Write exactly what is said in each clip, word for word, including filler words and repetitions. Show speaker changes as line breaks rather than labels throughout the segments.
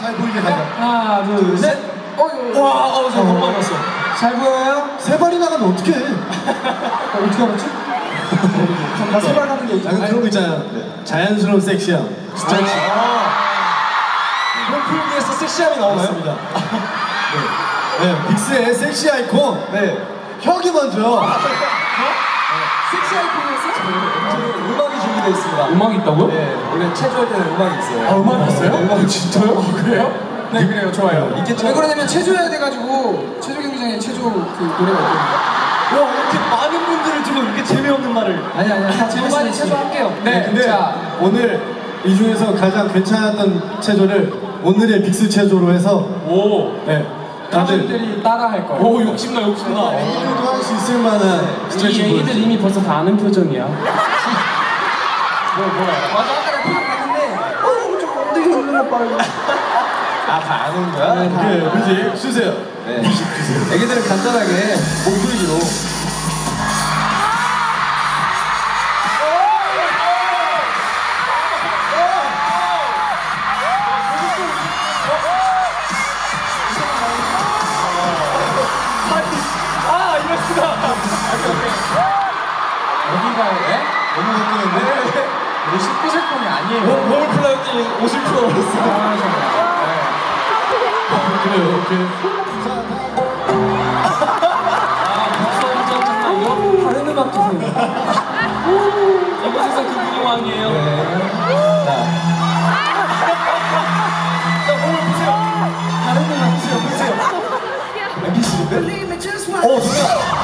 잘 보이게 가자.
하나, 둘, 셋.
어휴. 와, 어, 저 너무 많았어.
잘 보여요?
세 발이 나가면 어떡해?
어, 어떻게 알았지? 나 세 발 하는 게
아, 그런 거 있잖아요. 네. 자연스러운 섹시함. 스트레칭.
그럼 필기에서 섹시함이 나오나요?
맞습니다. 네. 네, 빅스의 섹시 아이콘. 네. 혁이 먼저.
섹시 아이콘에서 음악이 준비되어 있습니다.
음악이 있다고요?
네, 원래 체조할 때는 음악이 있어요.
아, 음악이 있어요?
네, 음악이 진짜요?
아, 그래요? 네, 그래요. 좋아요.
있겠죠?
왜 그러냐면 체조해야 돼가지고 체조 경기장에 체조 그 노래가 있거든요.
와, 이렇게 많은 분들을 두고 이렇게 재미없는 말을.
아니 아니 다
재밌으니
재밌으니
체조할게요. 네,
네, 근데
자,
오늘 이 중에서 가장 괜찮았던 체조를 오늘의 빅스 체조로 해서
오,
네. 다들
사람들이 따라 할 거예요. 오, 욕심나, 욕심나.
오늘도 할 수 있을 만한
이
스트레칭
애기들
보여주세요.
이미 벌써 다 아는 표정이야.
뭐 뭐야? 맞아 아까 나 표정 봤는데 어 좀 엉덩이 흔들어 빠르고. 아다 아는 거야?
네, 뮤직 주세요.
네. 뮤직 주세요. 애기들은 간단하게 몸풀기로.
아, 이럴 수가. 여기가 왜?
너무 웃기는데?
우리 십구 세 폰이 아니에요.
몸을 풀었더니 옷을 풀어버렸어.
아, 정말.
그래요, 오케이.
다른 음악 주세요. 이곳에서 그 분위왕이에요.
자. 자, 몸을 푸세요. 다른 음악 푸세요, 푸세요. 엠피씨인데? 어, 좋다.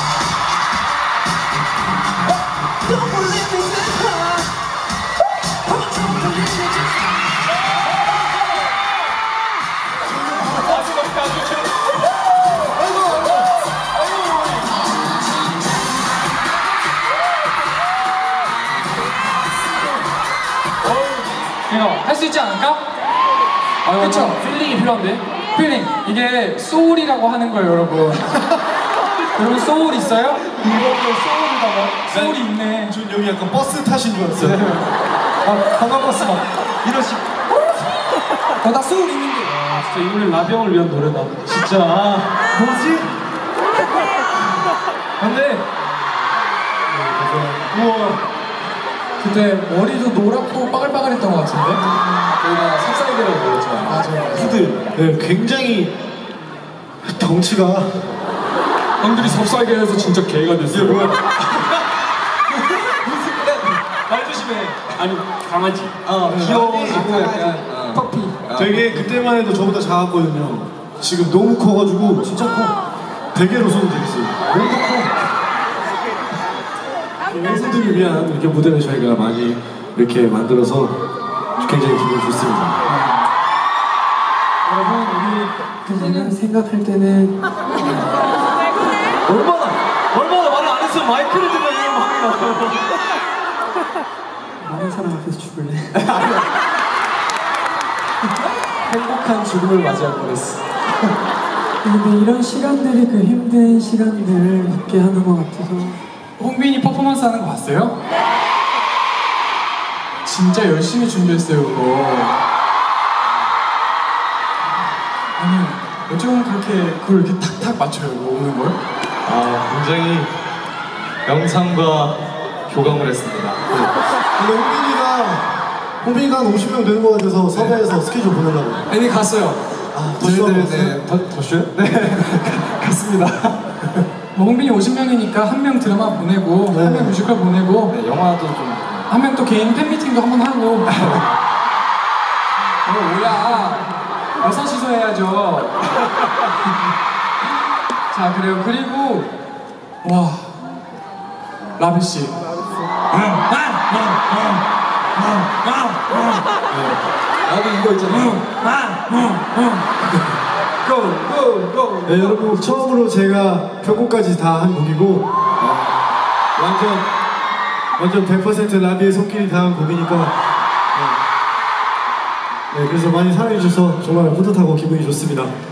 이거 할 수 있지 않을까? 아, 그쵸? 필링이 필요한데? 필링! 이게 소울이라고 하는 거예요, 여러분. 여러분 소울 있어요? 이거 소울이다가 소울이 있네.
전 여기 약간 버스 타신 줄 알았어요.
아, 관광버스 막 이러시.
어, 나 소울 있는데.
아, 진짜 이 노래 라비형을 위한 노래다. 진짜.
뭐지?
근데 우와.
그때 머리도 노랗고 빠글빠글했던 것 같은데?
저희가 삽살개라고 그랬죠.
맞아요.
후드. 네, 굉장히 덩치가.
형들이 섭살게 해서 진짜 개가 됐어요.
뭐야?
말 조심해.
아니, 강아지.
어, 귀여워지고 약간 어.
퍼피.
되게 그때만 해도 저보다 작았거든요. 지금 너무 커가지고
진짜 커.
베개로 손을 대겠어요.
몸도 커.
팬분들을 위한 이렇게 무대를 저희가 많이 이렇게 만들어서 굉장히 기분이 좋습니다.
여러분, 우리 그때는 생각할 때는
얼마나 얼마나 말을 안 했으면 마이크를 들면 이런 말이 나와요.
많은 사람 앞에서 죽을래.
행복한 죽음을 맞이할 뻔했어.
근데 이런 시간들이 그 힘든 시간들을 잊게 하는 것 같아서. 홍빈이 퍼포먼스 하는 거 봤어요? 진짜 열심히 준비했어요, 그거. 아니, 어쩌면 그렇게 그걸 이렇게 탁탁 맞춰요, 그거 오는 걸?
아, 굉장히 영상과 교감을 했습니다.
근데 홍빈이가 홍빈이가 한 오십 명 되는 것 같아서 섭외해서 스케줄 보내려고.
애니 갔어요.
아, 벌써
저희들
왔어요?
네, 더, 더 쉬어요? 네. 갔습니다.
뭐 홍빈이 오십 명이니까 한 명 드라마 보내고,
네.
한 명 뮤지컬 보내고,
네, 영화도 좀.
한 명 또 개인 팬미팅도 한번 하고. 어, 뭐야. 여섯 시서 해야죠. 자, 그래요. 그리고, 와. 라비씨.
나도 이거 있잖아. 고! 고! 고!
네, 여러분 처음으로 제가 편곡까지 다 한 곡이고 어, 완전 완전 백 퍼센트 라비의 손길이 닿은 곡이니까 네. 네, 그래서 많이 사랑해 주셔서 정말 뿌듯하고 기분이 좋습니다.